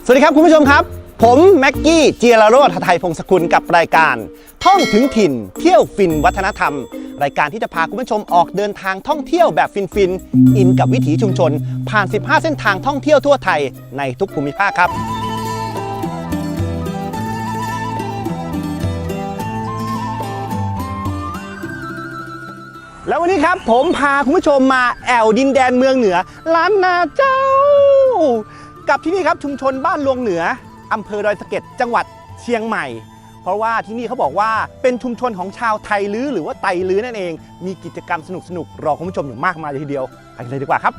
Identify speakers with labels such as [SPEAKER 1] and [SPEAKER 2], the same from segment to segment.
[SPEAKER 1] วัสดีครับคุณผู้ชมครับผมแม็กกี้เจียรโรจน์ หทัยพงศกุลกับรายการท่องถึงถิ่นเที่ยวฟินวัฒนธรรมรายการที่จะพาคุณผู้ชมออกเดินทางท่องเที่ยวแบบฟินอินกับวิถีชุมชนผ่าน15เส้นทางท่องเที่ยวทั่วไทยในทุกภูมิภาคครับแล้ววันนี้ครับผมพาคุณผู้ชมมาแอวดินแดนเมืองเหนือล้านนาเจ้ากับที่นี่ครับชุมชนบ้านลวงเหนืออำเภอดอยสะเก็ดจังหวัดเชียงใหม่เพราะว่าที่นี่เขาบอกว่าเป็นชุมชนของชาวไทลื้อหรือว่าไตลื้อนั่นเองมีกิจกรรมสนุกรอคุณผู้ชมอยู่มากมายเลยทีเดียวไปกันเลยดีกว่าครับ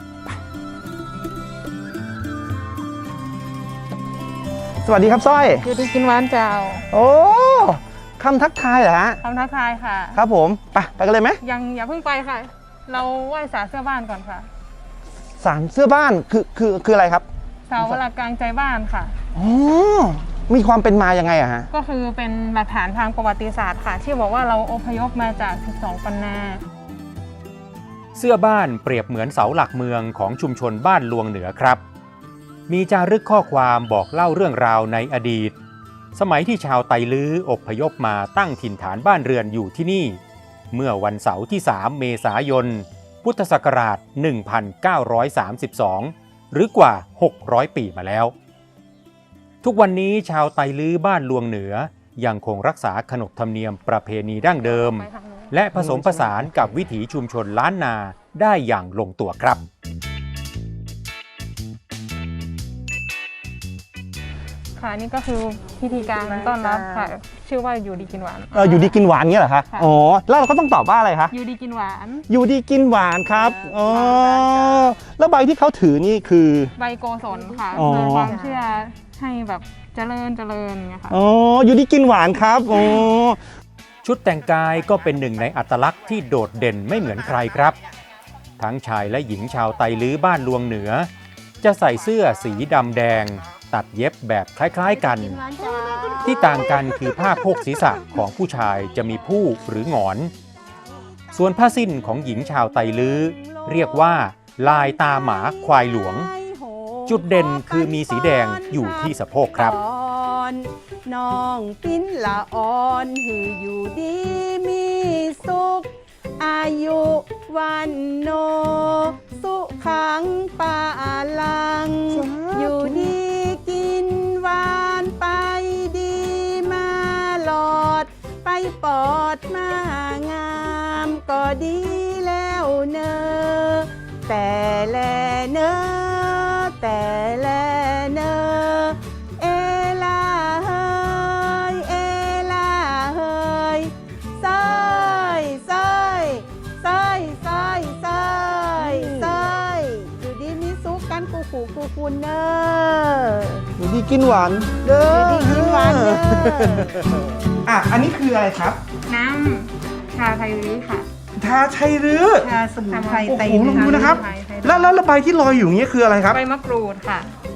[SPEAKER 1] สวัสดีครับสร้อย
[SPEAKER 2] อยู่ดีกินหวานเจ้า
[SPEAKER 1] โอ้คำทักทายเหรอฮะ
[SPEAKER 2] คำทักทายค่ะ
[SPEAKER 1] ครับผมไปกันเลยไหม
[SPEAKER 2] ยังอย่าเพิ่งไปค่ะเราไหว้ศาลเสื้อบ้านก่อนค่ะ
[SPEAKER 1] ศาลเสื้อบ้านคืออะไรครับ
[SPEAKER 2] เสาหลักกลางใจบ้านค่ะ
[SPEAKER 1] อ๋อมีความเป็นมายังไงอะฮะ
[SPEAKER 2] ก็คือเป็นหลักฐานทางประวัติศาสตร์ค่ะที่บอกว่าเราอพยพมาจาก12ปันนา
[SPEAKER 3] เสื้อบ้านเปรียบเหมือนเสาหลักเมืองของชุมชนบ้านลวงเหนือครับมีจารึกข้อความบอกเล่าเรื่องราวในอดีตสมัยที่ชาวไตลื้ออพยพมาตั้งถิ่นฐานบ้านเรือนอยู่ที่นี่เมื่อวันเสาร์ที่3เมษายนพุทธศักราช1932หรือกว่า600ปีมาแล้วทุกวันนี้ชาวไตลื้อบ้านลวงเหนือยังคงรักษาขนบธรรมเนียมประเพณีดั้งเดิมและผสมผสานกับวิถีชุมชนล้านนาได้อย่างลงตัวครับ
[SPEAKER 2] ค่ะนี่ก็คือพิธีการต้อนรับค่ะชื่อว่าอยู่ดีกินหวาน
[SPEAKER 1] อยู่ดีกินหวานเงี้ยเหรอคะอ๋อแล้วเราก็ต้องตอบว่าอะไรคะ
[SPEAKER 2] อยู่ดีกินหวาน
[SPEAKER 1] อยู่ดีกินหวานครับอ๋อแล้วใบที่เขาถือนี่คือ
[SPEAKER 2] ใบโกศลค่ะเป็นความเชื่อให้แบบเจริญไงค่ะ
[SPEAKER 1] อ๋ออยู่ดีกินหวานครับอ๋อ
[SPEAKER 3] ชุดแต่งกายก็เป็นหนึ่งในอัตลักษณ์ที่โดดเด่นไม่เหมือนใครครับทั้งชายและหญิงชาวไตลื้อบ้านลวงเหนือจะใส่เสื้อสีดำแดงตัดเย็บแบบคล้ายๆกันที่ต่างกันคือผ้าโพกศีรษะของผู้ชายจะมีผู้หรือหงอนส่วนผ้าสิ้นของหญิงชาวไตลื้อเรียกว่าลายตาหมาควายหลวงจุดเด่นคือมีสีแดงอยู่ที่สะโพกครับ
[SPEAKER 4] น้องปิ้นละอ่อนหืออยู่ดีมีสุขอายุวันโนสุขังปาลังอยู่ดีกินหวานไปดีมาหลอดไปปอดมางามก็ดีแล้วเนอแต่แลเนอแต่แลเนอเอลาเฮยเอลาเฮยซอยซอยซอยซอยซอยซอยอยู่ดีมีสุขกันกูคุณเนอ
[SPEAKER 1] อยู่ดีกินหวานเด้อ
[SPEAKER 4] อยู่ดีกินหวานเด้
[SPEAKER 1] ออันนี้คืออะไรครับ
[SPEAKER 2] น้ำชาไทลื้อค่ะ
[SPEAKER 1] ชาไทลื้อ
[SPEAKER 4] ชาสมุนไพรไต
[SPEAKER 1] ลื้อลองดูนะครับแล้วใบที่ลอยอยู่นี้คืออะไรครับ
[SPEAKER 2] ใบมะกรูดค่ะ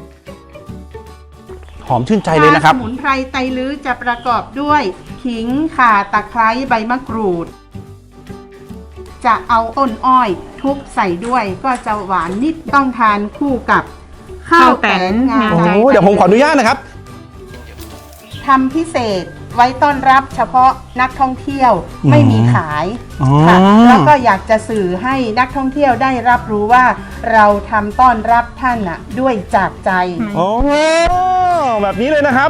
[SPEAKER 1] หอมชื่นใจเลยนะครับ
[SPEAKER 4] สมุนไพรไตลื้อจะประกอบด้วยขิงข่าตะไคร้ใบมะกรูดจะเอาต้นอ้อยทุบใส่ด้วยก็จะหวานนิดต้องทานคู่กับข้าวแตนงา
[SPEAKER 1] เดี๋ยวผมขออนุญาตนะครับ
[SPEAKER 4] ทำพิเศษไว้ต้อนรับเฉพาะนักท่องเที่ยวไม่มีขายค่ะแล้วก็อยากจะสื่อให้นักท่องเที่ยวได้รับรู้ว่าเราทำต้อนรับท่านน่ะด้วยจากใจ
[SPEAKER 1] โอ้แบบนี้เลยนะครับ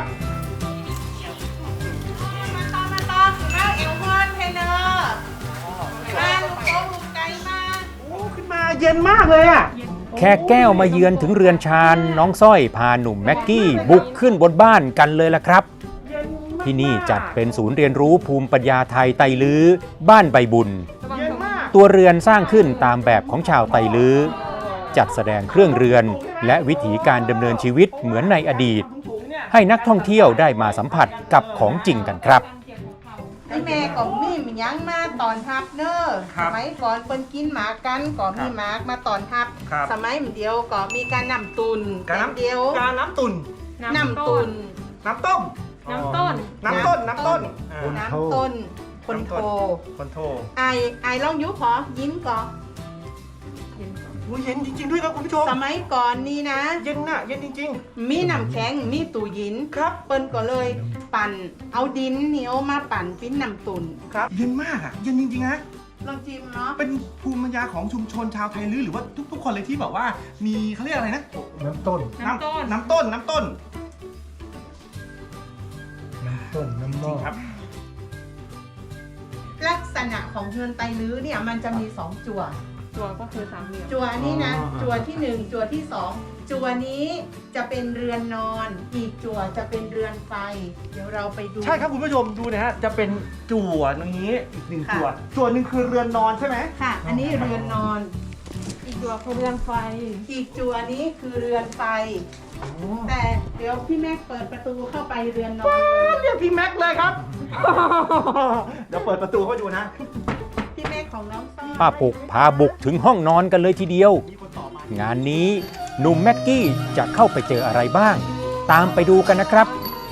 [SPEAKER 1] ขึ้นมาเย็นมากเลยอ่ะ
[SPEAKER 3] แค่แก้วมาเยือนถึงเรือนชานน้องสร้อยพาหนุ่มแม็กกี้บุกขึ้นบนบ้านกันเลยล่ะครับที่นี่จัดเป็นศูนย์เรียนรู้ภูมิปัญญาไทยไตลื้อบ้านใบบุญตัวเรือนสร้างขึ้นตามแบบของชาวไตลื้อจัดแสดงเครื่องเรือนและวิถีการดำเนินชีวิตเหมือนในอดีตให้นักท่องเที่ยวได้มาสัมผัสกับของจริงกันครับ
[SPEAKER 4] แม่ก็มียังมาตอนทับเนอสมัยก่อนเปิ้นกินหมากันก็มีหมากมาตอนทับสมัยเดียวก็มีการนำตุน
[SPEAKER 1] เดียวการน้ำตุน
[SPEAKER 4] น้ำตุน
[SPEAKER 1] น้ำต้ม
[SPEAKER 2] น้ำต้น
[SPEAKER 4] คนโทไอลองยุขอยิ้มก่อ
[SPEAKER 1] โอ้ยเย็นจริงๆด้วยครับคุณผู้ชม
[SPEAKER 4] สมัยก่อนนี้นะ
[SPEAKER 1] เย็นน่ะเย็นจริง
[SPEAKER 4] มีน้ำแข็งมีตู้เยิน
[SPEAKER 1] ๆ ครับ
[SPEAKER 4] เปิ้นก็เลยปั่นเอาดินเหนียวมาปั่นเป็นน้ำตุน
[SPEAKER 1] ครับเย็นมากอ่ะเย็นจริงๆนะ
[SPEAKER 4] ลองชิมเนาะ
[SPEAKER 1] เป็นภูมิปัญญาของชุมชนชาวไทยลื้อหรือว่าทุกๆคนเลยที่แบบว่ามีเขาเรียกอะไรนะ
[SPEAKER 5] น้ำต้น
[SPEAKER 2] น้ำต้น
[SPEAKER 1] น้ำต้นน้ำต้น
[SPEAKER 5] น้ำหม้อ
[SPEAKER 1] ครับ
[SPEAKER 4] ลักษณะของเฮือนไตลื้อเนี่ยมันจะมีสองจั่ว
[SPEAKER 2] ตัวก็คือสามเหลี่ยม
[SPEAKER 4] จั่วนี้นะ จั่วที่หนึ่งจั่วที่สองจั่วนี้จะเป็นเรือนนอน อีกจั่วจะเป็นเรือนไฟ เดี๋ยวเราไปดู
[SPEAKER 1] ใช่ครับคุณผู้ชมดูนะฮะจะเป็นจั่วตรงนี้อีกหนึ่ง
[SPEAKER 4] ค่ะ
[SPEAKER 1] จั่วหนึ่งคือเรือนนอนใช่ไหม
[SPEAKER 4] ค่ะ อันนี้เรือนนอน
[SPEAKER 2] อีกตัวคือเรือนไฟ
[SPEAKER 4] อีกจั่วนี้คือเรือนไฟ แต่เดี๋ยวพี่แม็กเปิดประตูเข้าไปเรือนนอนเลย
[SPEAKER 1] เรียกพี่แม็กเลยครับ เดี๋ยวเปิดประตูเข้าไปดูนะ
[SPEAKER 4] พี่แม็กของน้องส้ม
[SPEAKER 3] ป้าปุกพาบุกถึงห้องนอนกันเลยทีเดียว
[SPEAKER 1] มีคนต่อมา
[SPEAKER 3] งานนี้หนุ่มแม็กกี้จะเข้าไปเจออะไรบ้าง ตามไปดูกันนะครับ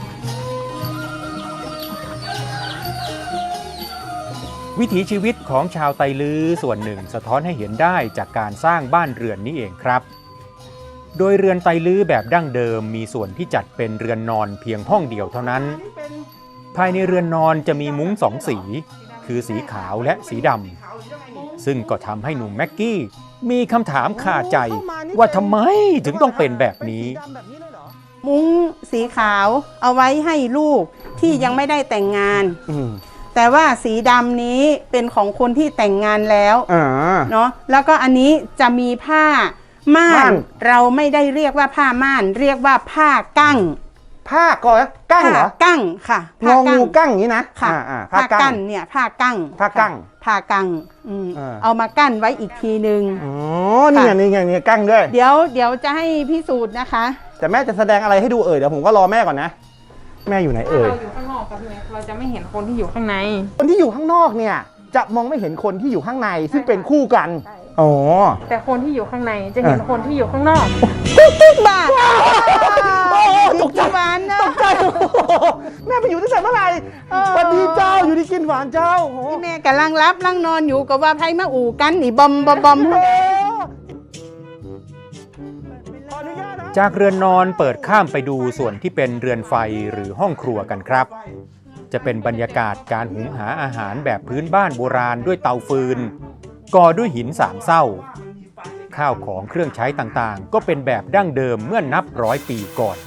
[SPEAKER 3] วิถีชีวิตของชาวไตลื้อส่วนหนึ่งสะท้อนให้เห็นได้จากการสร้างบ้านเรือนนี้เองครับ โดยเรือนไตลื้อแบบดั้งเดิมมีส่วนที่จัดเป็นเรือนนอนเพียงห้องเดียวเท่านั้น ภายในเรือนนอนจะมีมุ้งสองสี คือสีขาวและสีดำ ซึ่งก็ทำให้หนุ่มแม็กกี้มีคำถามคาใจว่าทำไมถึงต้องเป็นแบบนี้
[SPEAKER 4] มุ้งสีขาวเอาไว้ให้ลูกที่ยังไม่ได้แต่งงาน แต่ว่าสีดำนี้เป็นของคนที่แต่งงานแล้วเนาะแล้วก็อันนี้จะมีผ้าม่า
[SPEAKER 1] ม่าน น
[SPEAKER 4] เราไม่ได้เรียกว่าผ้าม่าน เรียกว่าผ้ากั้ง
[SPEAKER 1] ผ้าก่อนกั้งเหรอ
[SPEAKER 4] ผ้ากั้งค่ะ
[SPEAKER 1] งองูกั้งอย่างนี้นะ
[SPEAKER 4] ค่ะ
[SPEAKER 1] ผ้า
[SPEAKER 4] ผ้า
[SPEAKER 1] กั้
[SPEAKER 4] กั้
[SPEAKER 1] ง
[SPEAKER 4] นเนี่ยผ้ากั้ง
[SPEAKER 1] ผ้ากั้ง
[SPEAKER 4] ผ้ากั้ง
[SPEAKER 1] เออ
[SPEAKER 4] เอามากั้นไว้อีกทีนึง
[SPEAKER 1] อ๋อนี่ไงนี่ไงนี่กั้งด้วย
[SPEAKER 4] เดี๋ยวจะให้พิสูจน์นะคะ
[SPEAKER 1] แต่แม่จะแสดงอะไรให้ดูเดี๋ยวผมก็รอแม่ก่อนนะ แม่อยู่ไหน
[SPEAKER 2] ถ้า
[SPEAKER 1] เอ่ย
[SPEAKER 2] เราอยู่ข้างนอกกับพี่แม็กเราจะไม่เห็นคนที่อยู่ข้างใน
[SPEAKER 1] คนที่อยู่ข้างนอกเนี่ยจะมองไม่เห็นคนที่อยู่ข้างในซึ่งเป็นคู่กัน
[SPEAKER 2] ใช่
[SPEAKER 1] อ๋อ
[SPEAKER 2] แต่คนที่อยู่ข้างในจะเห็นคนที่อยู่ข้างนอก
[SPEAKER 4] บ้า
[SPEAKER 1] โอ้โหตกใจ
[SPEAKER 4] หวานนะ
[SPEAKER 1] ตกใจโอ้โหแม่ไปอยู่ตั้งแต่เมื่อไหร่สวัสดีเจ้าอยู่ที่กินหวานเจ้าโอ้โห
[SPEAKER 4] ที่แม่กำลังรับลังนอนอยู่กับว่าไพ่มาอู่กันนี่บอมบอมบอม
[SPEAKER 1] โอ้โหขออนุญาตนะ
[SPEAKER 3] จากเรือนนอนเปิดข้ามไปดูส่วนที่เป็นเรือนไฟหรือห้องครัวกันครับ จะเป็นบรรยากาศการหุงหาอาหารแบบพื้นบ้านโบราณด้วยเตาฟืน ก่อด้วยหินสามเศร้า ข้าวของเครื่องใช้ต่างๆ ก็เป็นแบบดั้งเดิมเมื่อนับร้อยปีก่อน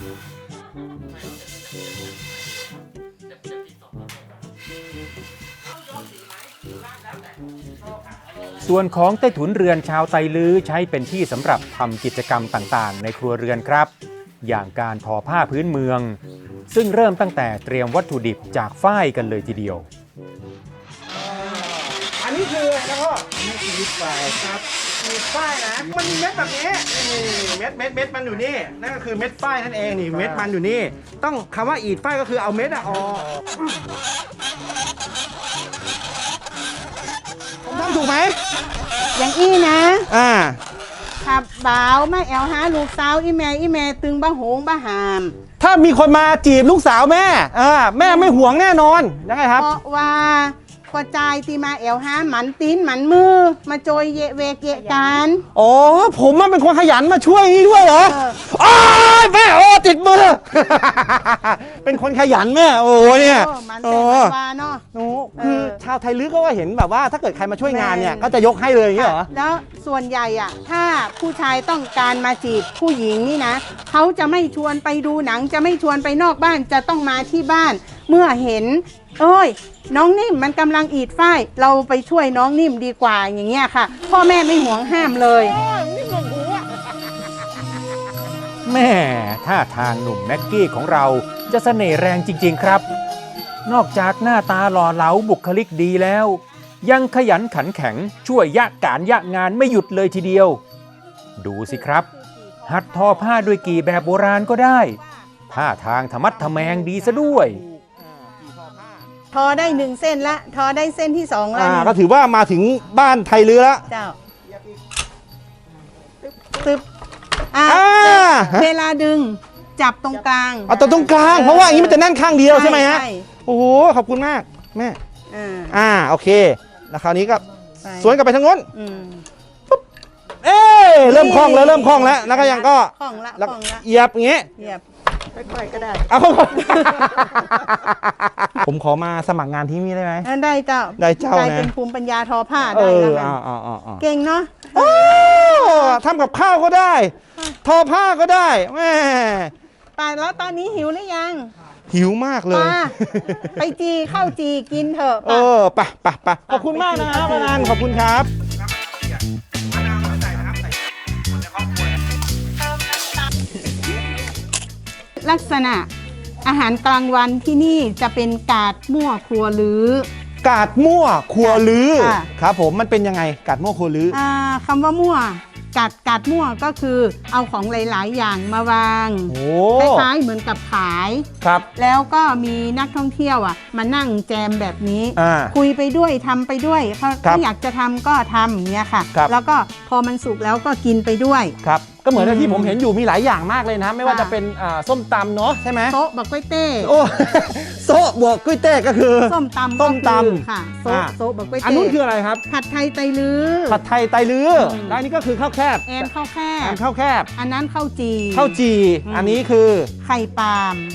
[SPEAKER 3] ส่วนของใต้ถุนเรือนชาวไตลื้อใช้เป็นที่สำหรับทำกิจกรรมต่างๆ ในครัวเรือนครับ อย่างการทอผ้าพื้นเมือง ซึ่งเริ่มตั้งแต่เตรียมวัตถุดิบจากฝ้ายกันเลยทีเดียว
[SPEAKER 1] อันนี้คืออะไรนะพ่อนี่คือลิปไฟครับมีฝ้ายนะ มันมีเม็ดแบบนี้นี่เม็ดมันอยู่นี่ นั่นก็คือเม็ดฝ้ายนั่นเองนี่เม็ดมันอยู่นี่ ต้องคำว่าอีดฝ้ายก็คือเอาเม็ดอะออกผมทำถูกไหม
[SPEAKER 4] อย่างอี้นะ
[SPEAKER 1] อ่า
[SPEAKER 4] ขับบ่าวมาแอลหาลูกสาวอีแม่ตึงบ้าโหงบ้าหาม
[SPEAKER 1] ถ้ามีคนมาจีบลูกสาวแม่แม่ไม่ห่วงแน่นอนยังไงครับ
[SPEAKER 4] เพราะว่าพอใจายตีมาแอลหาหมันตีนหมันมือ มาโจยเยะเวเกะกัน
[SPEAKER 1] อ๋อผมมันเป็นคนขยันมาช่วยนี่ด้วยเหรอ
[SPEAKER 4] เออ
[SPEAKER 1] อ้ายแม่โอ้ติดมือ เป็นคนขยันแม่โอ้เนี่ย
[SPEAKER 4] มัน
[SPEAKER 1] โอ้
[SPEAKER 4] แต่มันวาเนาะ
[SPEAKER 1] โอ้คือ
[SPEAKER 4] เออ
[SPEAKER 1] ชาวไทยลื้อก็ว่าเห็นแบบว่าถ้าเกิดใครมาช่วยงานเนี่ย
[SPEAKER 4] แม่
[SPEAKER 1] ก็จะยกให้เลยอย่างนี้เหรอ
[SPEAKER 4] แล้วส่วนใหญ่อะถ้าผู้ชายต้องการมาจีบผู้หญิงนี่นะเขาจะไม่ชวนไปดูหนังจะไม่ชวนไปนอกบ้านจะต้องมาที่บ้าน เมื่อเห็นเอ้ย น้องนิ่มมันกำลังอีดฝ้ายเราไปช่วยน้องนิ่มดีกว่าอย่างเงี้ยค่ะ พ่อแม่ไม่ห่วงห้ามเลย
[SPEAKER 3] แม่ท่าทางหนุ่มแม็กกี้ของเราจะเสน่ห์แรงจริง ๆ ครับ นอกจากหน้าตาหล่อเหลาบุคลิกดีแล้ว ยังขยันขันแข็งช่วยยะการยะงานไม่หยุดเลยทีเดียว ดูสิครับ หัดทอผ้าด้วยกี่แบบโบราณก็ได้ท่าทางธรรมัดทะแมงดีซะด้วย
[SPEAKER 4] ทอได้1 เส้นละทอได้เส้นที่2แล้ว
[SPEAKER 1] ก็ถือว่ามาถึงบ้านไทยลื้อแล้ว
[SPEAKER 4] เจ้าตึบอ่ะ
[SPEAKER 1] อ่า
[SPEAKER 4] เวลาดึงจับตรงกลาง
[SPEAKER 1] เอาตัวตรงกลางเพราะว่าอย่างนี้มันจะแน่นข้างเดียวใช่ไหมฮะ
[SPEAKER 4] ใช่
[SPEAKER 1] โอ้โหขอบคุณมากแม่
[SPEAKER 4] อ่า
[SPEAKER 1] โอเคแล้วคราวนี้ก็
[SPEAKER 4] ไป
[SPEAKER 1] สวนกลับไปทางโน้น
[SPEAKER 4] อืม
[SPEAKER 1] เอ๊ะเริ่มคล่องแล้วแล้วก็ยังก็
[SPEAKER 4] คล่องละ
[SPEAKER 1] แล้ว
[SPEAKER 4] คล่องละ
[SPEAKER 1] เหยียบอย่างงี้
[SPEAKER 4] เหยียบค่อยๆก็ได้
[SPEAKER 1] เอา ผมขอมาสมัครงานที่นี่ได้ไหม
[SPEAKER 4] ได้เจ้า
[SPEAKER 1] ได้เจ้านะ
[SPEAKER 4] กลายเป็นภูมิปัญญาทอผ้า
[SPEAKER 1] เอ
[SPEAKER 4] ได้
[SPEAKER 1] อ
[SPEAKER 4] แล้วกัน
[SPEAKER 1] เอา
[SPEAKER 4] เก่งเนาะ
[SPEAKER 1] โอ้ทำกับข้าวก็ได้ ทอผ้าก็ได้แม่
[SPEAKER 4] ตายแล้วตอนนี้หิวหรือยัง
[SPEAKER 1] หิวมากเลย
[SPEAKER 4] มาไปจีข้าวจีกินเถอะ
[SPEAKER 1] เออไปขอบคุณมากนะครับอานันต์ขอบคุณครับ
[SPEAKER 4] ลักษณะอาหารกลางวันที่นี่จะเป็นกาดมั่วครัวลือก
[SPEAKER 1] าดมั่วครัวลือ
[SPEAKER 4] ค่ะ
[SPEAKER 1] ครับผมมันเป็นยังไงกาดมั่วครัวลือ
[SPEAKER 4] คำว่ามั่วกาดมั่วก็คือเอาของหลาย ๆ อย่างมาวาง
[SPEAKER 1] โอ้
[SPEAKER 4] คล้ายๆเหมือนกับขาย
[SPEAKER 1] ครับ
[SPEAKER 4] แล้วก็มีนักท่องเที่ยวมานั่งแจมแบบนี้
[SPEAKER 1] อ่า
[SPEAKER 4] คุยไปด้วยทำไปด้วยเขา
[SPEAKER 1] ครับ
[SPEAKER 4] อยากจะทำก็ทำอย่างเงี้ยค่ะ
[SPEAKER 1] ครับ
[SPEAKER 4] แล้วก็พอมันสุกแล้วก็กินไปด้วย
[SPEAKER 1] ครับก็เหมือนที่
[SPEAKER 4] อืม
[SPEAKER 1] ผมเห็นอยู่มีหลายอย่างมากเลยนะ ไม่ว่า
[SPEAKER 4] ค่ะ
[SPEAKER 1] จะเป็นส้มตำเนาะใช่ไหม
[SPEAKER 4] โต๊ะบักกล้วยเต้
[SPEAKER 1] โอ้ โซะบวกกุ้ยเต้ก็คือ
[SPEAKER 4] ส้มตำ
[SPEAKER 1] ส้มตำ
[SPEAKER 4] ก็คือค่ะโต๊ะ
[SPEAKER 1] อ่า
[SPEAKER 4] โต๊ะบักกล้วย
[SPEAKER 1] อัน
[SPEAKER 4] เต้
[SPEAKER 1] นู้นคืออะไรครับ
[SPEAKER 4] ผัดไทยไตลือ
[SPEAKER 1] ผัดไทยไตลือ
[SPEAKER 4] อืม
[SPEAKER 1] และอันนี้ก็คือข้าวแคบ
[SPEAKER 4] แอนข้าวแค
[SPEAKER 1] อั
[SPEAKER 4] บ
[SPEAKER 1] นข้าวแคบ
[SPEAKER 4] อันนั้นข้าวจี
[SPEAKER 1] ข้าวจี
[SPEAKER 4] อืม
[SPEAKER 1] อันนี้คือ
[SPEAKER 4] ไข่ปาล์ม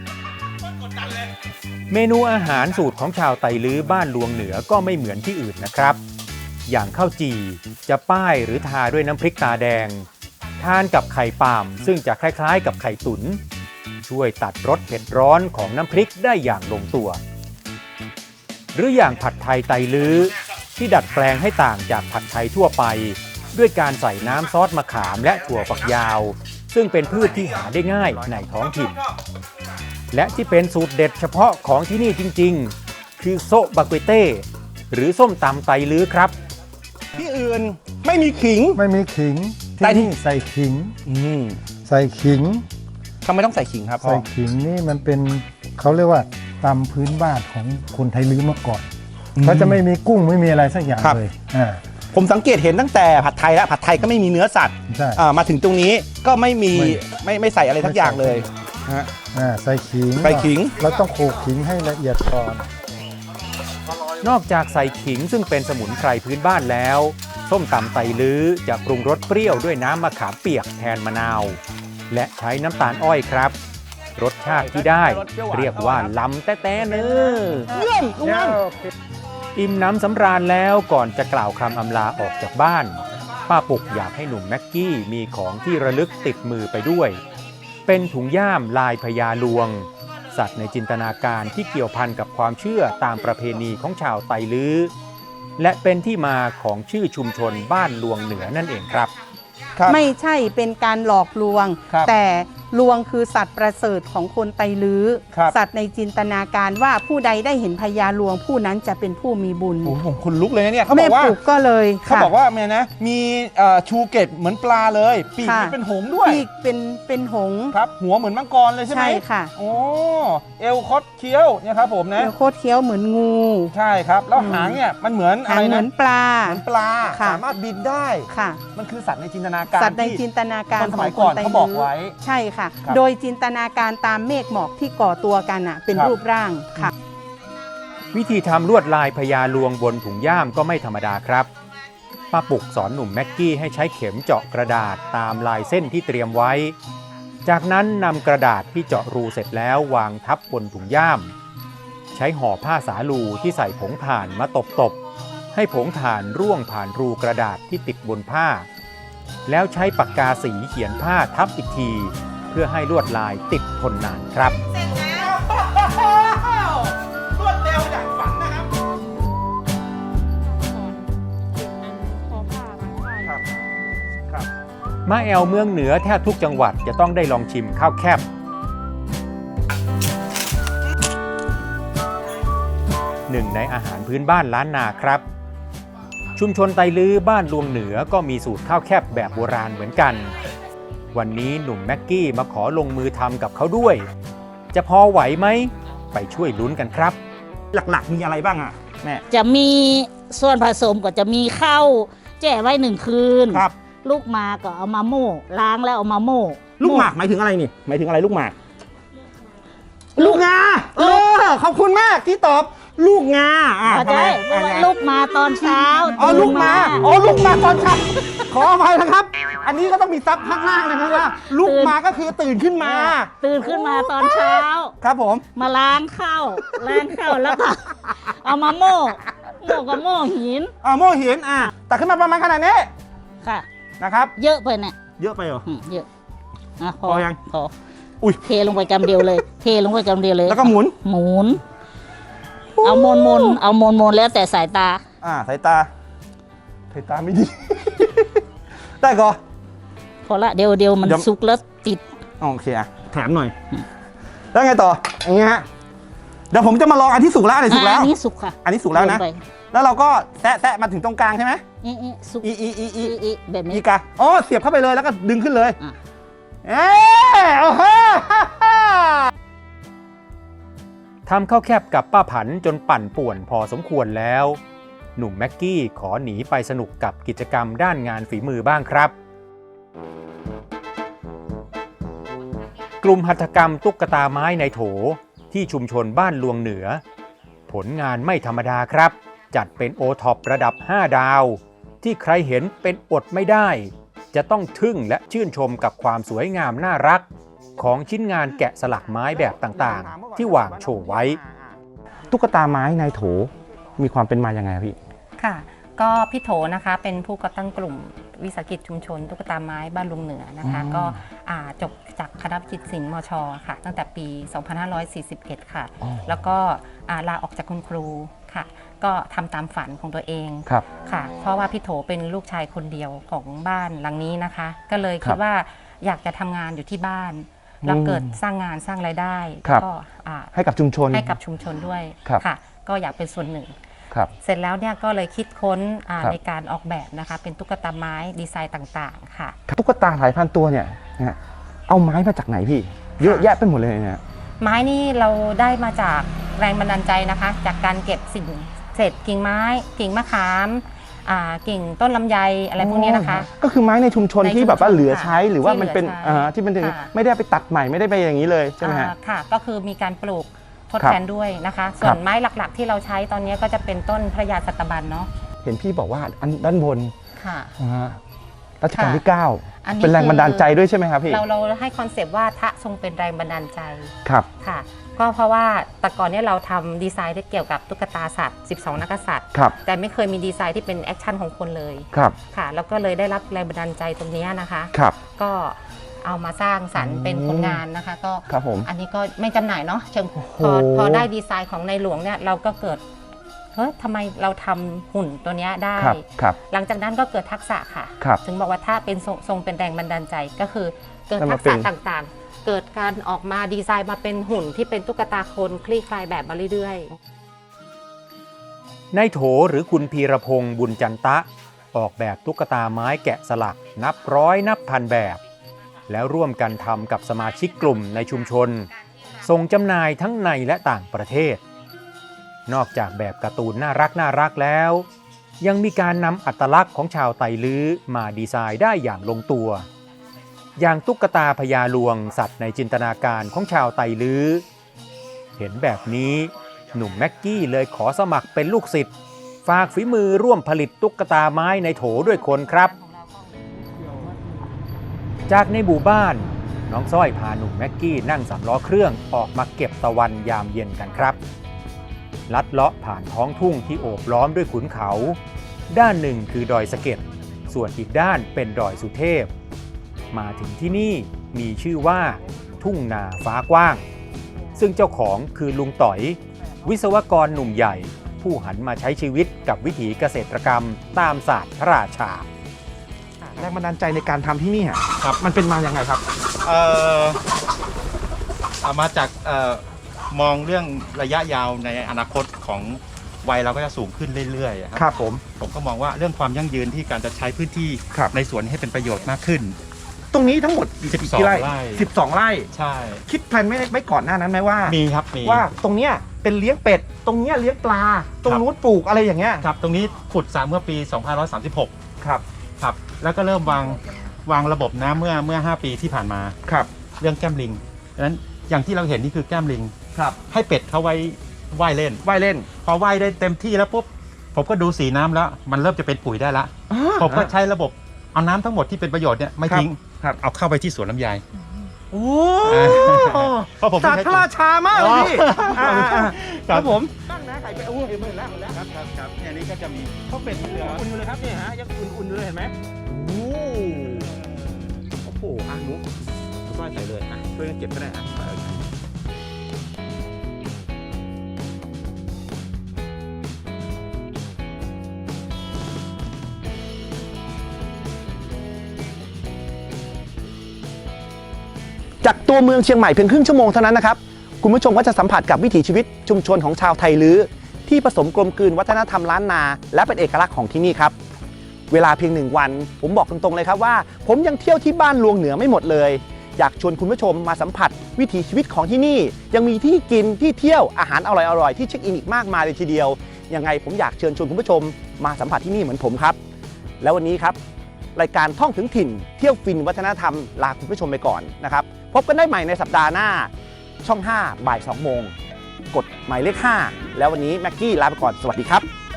[SPEAKER 3] เมนูอาหารสูตรของชาวไตลื้อบ้านลวงเหนือก็ไม่เหมือนที่อื่นนะครับ อย่างข้าวจี่จะป้ายหรือทาด้วยน้ำพริกตาแดง ทานกับไข่ปาล์มซึ่งจะคล้ายๆกับไข่ตุ๋นช่วยตัดรสเผ็ดร้อนของน้ำพริกได้อย่างลงตัว หรืออย่างผัดไทยไตลื้อที่ดัดแปลงให้ต่างจากผัดไทยทั่วไป ด้วยการใส่น้ำซอสมะขามและถั่วฝักยาว ซึ่งเป็นพืชที่หาได้ง่ายในท้องถิ่น และที่เป็นสูตรเด็ดเฉพาะของที่นี่จริงๆ คือโซะบาเกเต้หรือส้มตำไตลื้อครับ
[SPEAKER 1] ที่อื่นไม่มีขิง
[SPEAKER 5] ไม่มีขิง
[SPEAKER 1] แต่
[SPEAKER 5] ที่
[SPEAKER 1] ที่
[SPEAKER 5] นี่ใส่ขิง
[SPEAKER 1] อืม
[SPEAKER 5] ใส่ขิง
[SPEAKER 1] ทำไมต้องใส่ขิงครับพ่
[SPEAKER 5] ใส่
[SPEAKER 1] อ
[SPEAKER 5] ขิงนี่มันเป็นเขาเรียกว่าตำพื้นบ้านของคนไทยลื้อเมื่อก่อนเขาจะไม่มีกุ้งไม่มีอะไรสักอย่างเลย
[SPEAKER 1] ผมสังเกตเห็นตั้งแต่ผัดไทยแล้วผัดไทยก็ไม่มีเนื้อสัตว์
[SPEAKER 5] ใช่
[SPEAKER 1] มาถึงตรงนี้ก็ไม่มี
[SPEAKER 5] ไม่
[SPEAKER 1] ไม่ใส่อะไรทักอย่างเลยฮะ
[SPEAKER 5] ใส่ขิง
[SPEAKER 1] ใส่ขิง
[SPEAKER 5] เราต้องโขลกขิงให้ละเอียดก่อน
[SPEAKER 3] นอกจากใส่ขิงซึ่งเป็นสมุนไพรพื้นบ้านแล้ว ส้มตำไตลื้อจะปรุงรสเปรี้ยวด้วยน้ำมะขามเปียกแทนมะนาว และใช้น้ำตาลอ้อยครับ รสชาติที่ได้เรียกว่าล้ำแต้ๆเนื้อ
[SPEAKER 1] เยี่ยมลุงนั่น
[SPEAKER 3] อิ่มน้ำสำราญแล้วก่อนจะกล่าวคำอำลาออกจากบ้าน ป้าปุกอยากให้หนุ่มแม็กกี้มีของที่ระลึกติดมือไปด้วย เป็นถุงย่ามลายพญาลวง สัตว์ในจินตนาการที่เกี่ยวพันกับความเชื่อตามประเพณีของชาวไตลื้อ และเป็นที่มาของชื่อชุมชนบ้านลวงเหนือนั่นเองครับ
[SPEAKER 1] ครับ
[SPEAKER 4] ไม่ใช่เป็นการหลอกลวง
[SPEAKER 1] ครับ
[SPEAKER 4] แต่ลวงคือสัตว์ประเสริฐของคนไตลื้อ
[SPEAKER 1] ครับ
[SPEAKER 4] สัตว์ในจินตนาการว่าผู้ใดได้เห็นพญาลวงผู้นั้นจะเป็นผู้มีบุญ
[SPEAKER 1] โอ้โหผมขนลุกเลยนะเนี่ยเขาบ
[SPEAKER 4] แม่
[SPEAKER 1] อกว่า
[SPEAKER 4] ปลูกก็เลย
[SPEAKER 1] เขาบอกว่าแม่นะมีชูเกตเหมือนปลาเลย ปีก
[SPEAKER 4] ค่ะ
[SPEAKER 1] มันเป็นหงส์ด้วย
[SPEAKER 4] ปีกเป็นหงส์
[SPEAKER 1] ครับ หัวเหมือนมังกรเลยใช่ไหม
[SPEAKER 4] ใช่ค่ะ
[SPEAKER 1] โอ้เอลคอดเคี้ยวเนี่ยครับผมนะ
[SPEAKER 4] เดี๋ยวโคตรเคี้ยวเหมือนงู
[SPEAKER 1] ใช่ครับ แล้วหางเนี่ยมันเหมือนอะ
[SPEAKER 4] หาง
[SPEAKER 1] ไร
[SPEAKER 4] เหมื
[SPEAKER 1] นะ
[SPEAKER 4] อนปลา
[SPEAKER 1] เหมือนปลา
[SPEAKER 4] ค่ะ
[SPEAKER 1] สามารถบินได้
[SPEAKER 4] ค่ะ
[SPEAKER 1] มันคือสัตว์ในจินตนาการ
[SPEAKER 4] สัตว์ใน
[SPEAKER 1] ที่
[SPEAKER 4] จินตนาการ
[SPEAKER 1] คนส
[SPEAKER 4] ข
[SPEAKER 1] มั
[SPEAKER 4] อย งค
[SPEAKER 1] ก่อน
[SPEAKER 4] นไต
[SPEAKER 1] เขาบอก
[SPEAKER 4] ลื้อ
[SPEAKER 1] ไว้
[SPEAKER 4] ใช่ค่ะ
[SPEAKER 1] ครับ
[SPEAKER 4] โดยจินตนาการตามเมฆหมอกที่ก่อตัวกันเป็น
[SPEAKER 1] ครับ
[SPEAKER 4] รูปร่างค่ะ
[SPEAKER 3] วิธีทำลวดลายพญาลวงบนถุงย่ามก็ไม่ธรรมดาครับ ป้าปุกสอนหนุ่มแม็กกี้ให้ใช้เข็มเจาะกระดาษตามลายเส้นที่เตรียมไว้ จากนั้นนำกระดาษที่เจาะรูเสร็จแล้ววางทับบนถุงย่าม ใช้ห่อผ้าสาลูที่ใส่ผงถ่านมาตบๆให้ผงถ่านร่วงผ่านรูกระดาษที่ติดบนผ้า แล้วใช้ปากกาสีเขียนผ้าทับอีกที เพื่อให้ลวดลายติดทนนานครับ
[SPEAKER 1] รวดเร็วอย่างฝันนะครับ ครับ ครับ
[SPEAKER 3] มาแอวเมืองเหนือแทบทุกจังหวัดจะต้องได้ลองชิมข้าวแคบหนึ่งในอาหารพื้นบ้านล้านนาครับ ชุมชนไตลื้อบ้านลวงเหนือก็มีสูตรข้าวแคบแบบโบราณเหมือนกัน วันนี้หนุ่มแม็กกี้มาขอลงมือทำกับเขาด้วย จะพอไหวไหม ไปช่วยลุ้นกันครับ
[SPEAKER 1] หลักๆมีอะไรบ้างอ่ะแม่
[SPEAKER 6] จะมีส่วนผสมก็จะมีข้าวแช่ไว้1 คืน
[SPEAKER 1] ครับ
[SPEAKER 6] ลูกหมากก็เอามาโม่ล้างแล้วเอามาโม่
[SPEAKER 1] ลูกหมากหมายถึงอะไรนี่หมายถึงอะไรลูกหมาก ลูกงาขอบคุณมากที่ตอบลูกงา
[SPEAKER 6] เข้าใจเพราะว่าลูกมาตอนเช้า
[SPEAKER 1] อ๋อ
[SPEAKER 6] ตื่น
[SPEAKER 1] ลูกมาอ๋อลูกมาตอนเช้าขออภัยนะครับ อันนี้ก็ต้องมีซับข้างล่างนะครับว่าลูกมาก็คือตื่นขึ้นมา
[SPEAKER 6] ตื่นขึ้นมาตอนเช้า
[SPEAKER 1] ครับผม
[SPEAKER 6] มาล้างข้าวแล้วก็เอามาโม่กับโม่หิน
[SPEAKER 1] โม่หินตักขึ้นมาประมาณขนาดนี้
[SPEAKER 6] ค่ะ
[SPEAKER 1] นะครับ
[SPEAKER 6] เยอะไปเนี่ย
[SPEAKER 1] เยอะไปเหรอ
[SPEAKER 6] เยอะพอ
[SPEAKER 1] พอยัง
[SPEAKER 6] พอ
[SPEAKER 1] อุ๊ย
[SPEAKER 6] เทลงไปกำเดียวเลย เทลงไปกำเดียวเลย
[SPEAKER 1] แล้วก็หมุน
[SPEAKER 6] หมุน เอามนแล้วแต่สายตา
[SPEAKER 1] สายตาไม่ดี ได้ก่อ
[SPEAKER 6] พอละเดี๋ยวมัน
[SPEAKER 1] เดี๋ยว
[SPEAKER 6] สุกแล้วติด
[SPEAKER 1] โอเคแถมหน่อย แล้วไงต่ออย่างเงี้ยฮะเดี๋ยวผมจะมาลองอันที่สุกแล้วอันไหนสุกแล้ว
[SPEAKER 6] อันนี้สุกค่ะ
[SPEAKER 1] อันนี้สุกแล้วนะ
[SPEAKER 6] โยไป
[SPEAKER 1] แล้วเราก็แตะมาถึงตรงกลางใช่ไหม
[SPEAKER 6] สุก
[SPEAKER 1] อี
[SPEAKER 6] แบบนี้
[SPEAKER 1] อีกาอ๋อเสียบเข้าไปเลยแล้วก็ดึงขึ้นเลย
[SPEAKER 6] อ่ะ
[SPEAKER 1] โอ้โห
[SPEAKER 3] ทำข้าวแคบกับป้าผันจนปั่นป่วนพอสมควรแล้ว หนุ่มแม็กกี้ขอหนีไปสนุกกับกิจกรรมด้านงานฝีมือบ้างครับ กลุ่มหัตถกรรมตุ๊กตาไม้ในโถที่ชุมชนบ้านลวงเหนือ ผลงานไม่ธรรมดาครับ จัดเป็นโอท็อประดับ 5 ดาว ที่ใครเห็นเป็นอดไม่ได้ จะต้องทึ่งและชื่นชมกับความสวยงามน่ารัก ของชิ้นงานแกะสลักไม้แบบต่างๆ ที่วางโชว์ไว้
[SPEAKER 1] ตุ๊กตาไม้ในโถมีความเป็นมาอย่างไงพี่
[SPEAKER 7] ค่ะ ก็พี่โถนะคะเป็นผู้ก่อตั้งกลุ่มวิสาหกิจชุมชนตุ๊กตาไม้บ้านลุงเหนือนะคะ ก็จบจากคณะวิจิตรศิลป์มชค่ะ ตั้งแต่ปี 2541 ค่ะ แล้วก็ลาออกจากคุณครูค่ะ ก็ทำตามฝันของตัวเอง
[SPEAKER 1] ครับ
[SPEAKER 7] ค่ะ เพราะว่าพี่โถเป็นลูกชายคนเดียวของบ้านหลังนี้นะคะ ก็เลย
[SPEAKER 1] ครั
[SPEAKER 7] คิด
[SPEAKER 1] บ
[SPEAKER 7] ว่าอยากจะทำงานอยู่ที่บ้าน แล้วเกิดสร้างงานสร้างรายได้
[SPEAKER 1] ครับ
[SPEAKER 7] ก็
[SPEAKER 1] ให้กับชุมชน
[SPEAKER 7] ให้กับชุมชนด้วย
[SPEAKER 1] ครับ
[SPEAKER 7] ค่ะ ก็อยากเป็นส่วนหนึ่ง
[SPEAKER 1] ครับ
[SPEAKER 7] เสร็จแล้วเนี่ยก็เลยคิดค้น
[SPEAKER 1] ครับ
[SPEAKER 7] ในการออกแบบนะคะ เป็นตุ๊กตาไม้ดีไซน์ต่างๆค่ะ
[SPEAKER 1] ตุ๊กตาหลายพันตัวเนี่ยนะฮะเอาไม้มาจากไหนพี่ เยอะแยะไปหมดเลยเนี่ย
[SPEAKER 7] ไม้นี่เราได้มาจากแรงบันดาลใจนะคะ จากการเก็บสิ่งเศษกิ่งไม้ กิ่งมะขามกิ่งต้นลำไยอะไรพวกนี้นะคะ
[SPEAKER 1] ก็คือไม้ในชุมชน
[SPEAKER 7] ในชุมชน
[SPEAKER 1] ที่แบบว่าเหลือใช้
[SPEAKER 7] ค่ะ
[SPEAKER 1] หรือว่ามันเป็น
[SPEAKER 7] ที่เหลือใช้
[SPEAKER 1] ที่มันถึง
[SPEAKER 7] ค่ะ
[SPEAKER 1] ไม่ได้ไปตัดใหม่ไม่ได้ไปอย่างนี้เลยใช่ไหมฮะ
[SPEAKER 7] ค่ะ ก็คือมีการปลูกทด
[SPEAKER 1] ครับ
[SPEAKER 7] แทนด้วยนะคะ ส่วนไม้หลักๆ ที่เราใช้ตอนนี้ก็จะเป็นต้นพระยาสัตบันเนาะ
[SPEAKER 1] เห็นพี่บอกว่าอันด้านบน
[SPEAKER 7] ค่ะ
[SPEAKER 1] รัชกาลที่
[SPEAKER 7] อันนี้
[SPEAKER 1] 9 เป็นแรงบันดาลใจด้วยใช่ไหมครับพี่
[SPEAKER 7] เราให้คอนเซปต์ว่าทะทรงเป็นแรงบันดาลใจ
[SPEAKER 1] ครับ
[SPEAKER 7] ค่ะก็เพราะว่าแต่ก่อนเนี่ยเราทำดีไซน์ที่เกี่ยวกับตุ๊กตาสัตว์ 12 นักษัตริย์
[SPEAKER 1] ครับ
[SPEAKER 7] แต่ไม่เคยมีดีไซน์ที่เป็นแอคชั่นของคนเลย
[SPEAKER 1] ครับ
[SPEAKER 7] ค่ะแล้วก็เลยได้รับแรงบันดาลใจตรงนี้นะคะ
[SPEAKER 1] ครับ
[SPEAKER 7] ก็เอามาสร้างสรรค์เป็นผลงานนะคะ ก็
[SPEAKER 1] ครับผม
[SPEAKER 7] อันนี้ก็ไม่จำหน่ายเนาะเชิง
[SPEAKER 1] โอ้โห
[SPEAKER 7] พอได้ดีไซน์ของในหลวงเนี่ยเราก็เกิดเฮ้ยทำไมเราทำหุ่นตัวเนี้ยได้
[SPEAKER 1] ครับครับ
[SPEAKER 7] หลังจากนั้นก็เกิดทักษะค่ะ
[SPEAKER 1] ครับ
[SPEAKER 7] ถึงบอกว่าถ้าเป็นทรงเป็นแรงบันดาลใจก็คือเกิด
[SPEAKER 1] แล้ว
[SPEAKER 7] ทั
[SPEAKER 1] มาก เป็
[SPEAKER 7] ษะ
[SPEAKER 1] น
[SPEAKER 7] ต่างๆ เกิดการออกมาดีไซน์มาเป็นหุ่นที่เป็นตุ๊กตาคนคลี่คลายแบบมาเรื่อยๆ
[SPEAKER 3] ในโถหรือคุณพีรพงศ์บุญจันตะ ออกแบบตุ๊กตาไม้แกะสลักนับร้อยนับพันแบบ แล้วร่วมกันทำกับสมาชิกกลุ่มในชุมชน ส่งจำหน่ายทั้งในและต่างประเทศ นอกจากแบบการ์ตูนน่ารักแล้ว ยังมีการนำอัตลักษณ์ของชาวไตลื้อมาดีไซน์ได้อย่างลงตัว อย่างตุ๊กตาพญาลวงสัตว์ในจินตนาการของชาวไตลื้อ เห็นแบบนี้หนุ่มแม็กกี้เลยขอสมัครเป็นลูกศิษย์ฝากฝีมือร่วมผลิตตุ๊กตาไม้ในโถด้วยคนครับ จากในหมู่บ้านน้องสร้อยพาหนุ่มแม็กกี้นั่งสำล้อเครื่องออกมาเก็บตะวันยามเย็นกันครับ ลัดเลาะผ่านท้องทุ่งที่โอบล้อมด้วยขุนเขา ด้านหนึ่งคือดอยสะเก็ดส่วนอีกด้านเป็นดอยสุเทพ มาถึงที่นี่มีชื่อว่าทุ่งนาฟ้ากว้าง ซึ่งเจ้าของคือลุงต๋อย วิศวกรหนุ่มใหญ่ ผู้หันมาใช้ชีวิตกับวิถีเกษตรกรรมตามศาสตร์พระราชา
[SPEAKER 1] แรงบันดาลใจในการทำที่นี่อะ
[SPEAKER 8] ครับ
[SPEAKER 1] มันเป็นมาอย่างไงครับ
[SPEAKER 8] เอามาจากมองเรื่องระยะยาวในอนาคตของวัยเราก็จะสูงขึ้นเรื่อยๆ
[SPEAKER 1] ครับผม
[SPEAKER 8] ผมก็มองว่าเรื่องความยั่งยืนที่การจะใช้พื้นที่
[SPEAKER 1] ครับ
[SPEAKER 8] ในสวนให้เป็นประโยชน์มากขึ้น
[SPEAKER 1] ตรงนี้ทั้งหมด
[SPEAKER 8] 12
[SPEAKER 1] กี่ไร่
[SPEAKER 8] ไร่
[SPEAKER 1] 12 ไร่
[SPEAKER 8] ใช่
[SPEAKER 1] คิดแผนไม่ก่อนหน้านั้นไหมว่า
[SPEAKER 8] มีครับมี
[SPEAKER 1] ว่าตรงเนี้ยเป็นเลี้ยงเป็ด ตรงเนี้ยเลี้ยงปลา ตรง
[SPEAKER 8] ครับ
[SPEAKER 1] นู้นปลูกอะไรอย่างเงี้ย
[SPEAKER 8] ครับตรงนี้ขุดสระเมื่อปี 2536
[SPEAKER 1] ครับ
[SPEAKER 8] ครับแล้วก็เริ่มวางระบบน้ำเมื่อ 5 ปีที่ผ่านมา
[SPEAKER 1] ครับ
[SPEAKER 8] เรื่องแก้มลิงดังนั้นอย่างที่เราเห็นนี่คือแก้มลิง
[SPEAKER 1] ครับ
[SPEAKER 8] ให้เป็ดเขาไว้ว่ายเล่น
[SPEAKER 1] ว่ายเล่น
[SPEAKER 8] พอว่ายได้เต็มที่แล้วปุ๊บผมก็ดูสีน้ำแล้ว มันเริ่มจะเป็นปุ๋ยได้ละผมก็ใช้ระบบเอาน้ำทั้งหมดที่เป็นประโยชน์เนี่ยไม่ทิ้ง
[SPEAKER 1] ครับ
[SPEAKER 8] เอาเข้าไปที่สวนลำไย
[SPEAKER 1] โอ้
[SPEAKER 8] เพราะผม
[SPEAKER 1] ศาสตร์พระราชามากเลยพี่
[SPEAKER 8] อ๋อ
[SPEAKER 1] ครับผมตั้งนะไข่เป็ดโอ้ยหมดแล้ว
[SPEAKER 8] ครับเนี่ยนี่ก็จะมีข้าวเป็ดเหลือง
[SPEAKER 1] อุ่นอยู่เลยครับเนี่ยฮะยังอุ่นอยู่เลยเห็นไหมโอ้โหหนูก้อยใส่เลยช่วยกันเก็บก็ได้จากตัวเมืองเชียงใหม่เพียงครึ่งชั่วโมงเท่านั้นนะครับคุณผู้ชมก็จะสัมผัสกับวิถีชีวิตชุมชนของชาวไทลื้อที่ผสมกลมกลืนวัฒนธรรมล้านนาและเป็นเอกลักษณ์ของที่นี่ครับเวลาเพียง1 วันผมบอกตรงๆเลยครับว่าผมยังเที่ยวที่บ้านลวงเหนือไม่หมดเลยอยากชวนคุณผู้ชมมาสัมผัสวิถีชีวิตของที่นี่ยังมีที่กินที่เที่ยวอาหารอร่อยๆที่เช็คอินอีกมากมายเลยทีเดียวยังไงผมอยากเชิญชวนคุณผู้ชมมาสัมผัสที่นี่เหมือนผมครับแล้ววันนี้ครับรายการท่องถึงถิ่นเที่ยวฟินวัฒนธรรมลาคุณผู้ชมไปก่อนนะครับพบกันได้ใหม่ในสัปดาห์หน้าช่อง 5 บ่าย 2 โมงกดหมายเลข 5 แล้ววันนี้แม็กกี้ลาไปก่อนสวัสดีครับ